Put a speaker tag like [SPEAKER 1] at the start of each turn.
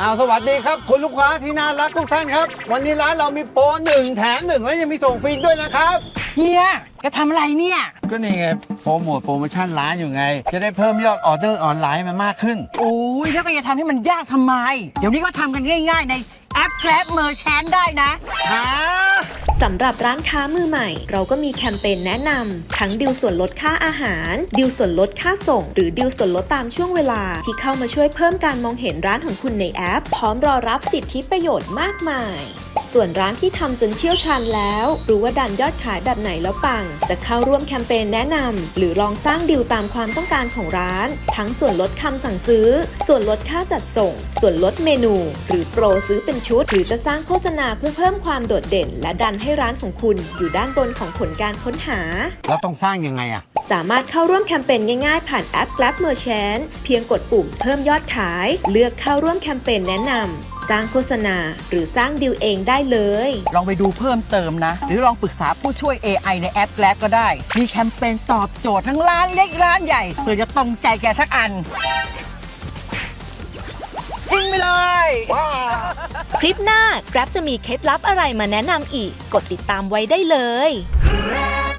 [SPEAKER 1] สวัสดีครับคุณลูกค้าที่น่ารักทุกท่านครับวันนี้ร้านเรามีโปร1 แถม 1และยังมีส่งฟรีด้วยนะครับ
[SPEAKER 2] เฮียจะทำอะไรเนี่ย
[SPEAKER 1] ก็นี่ไงโปรโมชั่นร้านอยู่ไงจะได้เพิ่มยอดออเดอร์ออนไลน์มันมากขึ้น
[SPEAKER 2] โอ้ยแล้วก็จะทำให้มันยากทำไมเดี๋ยวนี้ก็ทำกันง่ายๆในแอป Grab Merchant ได้นะ
[SPEAKER 3] สำหรับร้านค้ามือใหม่เราก็มีแคมเปญแนะนำทั้งดิวส่วนลดค่าอาหารดิวส่วนลดค่าส่งหรือดิวส่วนลดตามช่วงเวลาที่เข้ามาช่วยเพิ่มการมองเห็นร้านของคุณในแอปพร้อมรอรับสิทธิประโยชน์มากมายส่วนร้านที่ทำจนเชี่ยวชาญแล้วรู้ว่าดันยอดขายแบบไหนแล้วปังจะเข้าร่วมแคมเปญแนะนำหรือลองสร้างดิวตามความต้องการของร้านทั้งส่วนลดคำสั่งซื้อส่วนลดค่าจัดส่งส่วนลดเมนูหรือโปรซื้อเป็นชุดหรือจะสร้างโฆษณาเพื่อเพิ่มความโดดเด่นและดันให้ร้านของคุณอยู่ด้านบนของผลการค้นหา
[SPEAKER 1] แล้วต้องสร้างยังไง
[SPEAKER 3] สามารถเข้าร่วมแคมเปญง่ายๆผ่านแอป Grab Merchant เพียงกดปุ่มเพิ่มยอดขายเลือกเข้าร่วมแคมเปญแนะนำสร้างโฆษณาหรือสร้างดิวเองได้เลย
[SPEAKER 2] ลองไปดูเพิ่มเติมนะหรือลองปรึกษาผู้ช่วย AI ในแอป Grab ก็ได้มีแคมเปญตอบโจทย์ทั้งร้านเล็กร้านใหญ่เพื่อจะตรงใจแกสักอันทิ้งไปเลย
[SPEAKER 3] คลิปหน้า Grab จะมีเคล็ดลับอะไรมาแนะนำอีกกดติดตามไว้ได้เลย